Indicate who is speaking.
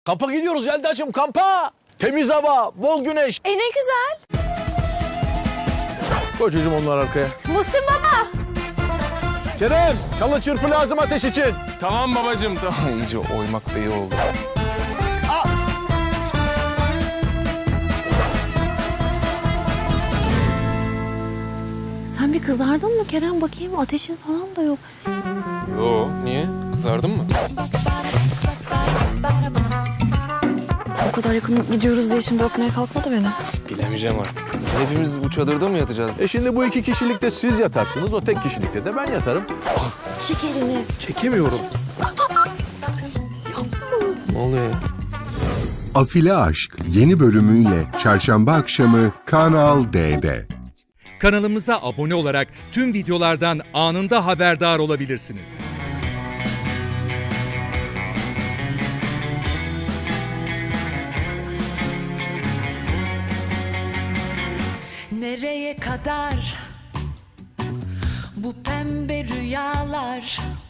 Speaker 1: Kampa gidiyoruz Yelda'cığım, kampa. Temiz hava, bol güneş.
Speaker 2: Ne güzel.
Speaker 1: Koy çocuğum onlar arkaya.
Speaker 2: Muhsin baba.
Speaker 1: Kerem, çalı çırpı lazım ateş için.
Speaker 3: Tamam babacığım, tamam. İyice oymak da iyi oldu.
Speaker 2: Sen bir kızardın mı Kerem? Bakayım ateşin falan da yok.
Speaker 3: Yo, niye? Kızardın mı?
Speaker 2: O kadar yakın gidiyoruz diye şimdi öpmeye kalkma da beni.
Speaker 3: Bilemeyeceğim artık. Hepimiz bu çadırda mı yatacağız?
Speaker 1: Şimdi bu 2 kişilikte siz yatarsınız, o tek kişilikte de ben yatarım.
Speaker 2: Çek elini.
Speaker 1: Çekemiyorum.
Speaker 3: Ne oluyor ya?
Speaker 4: Afili Aşk yeni bölümüyle çarşamba akşamı Kanal D'de.
Speaker 5: Kanalımıza abone olarak tüm videolardan anında haberdar olabilirsiniz.
Speaker 6: Nereye kadar bu pembe rüyalar?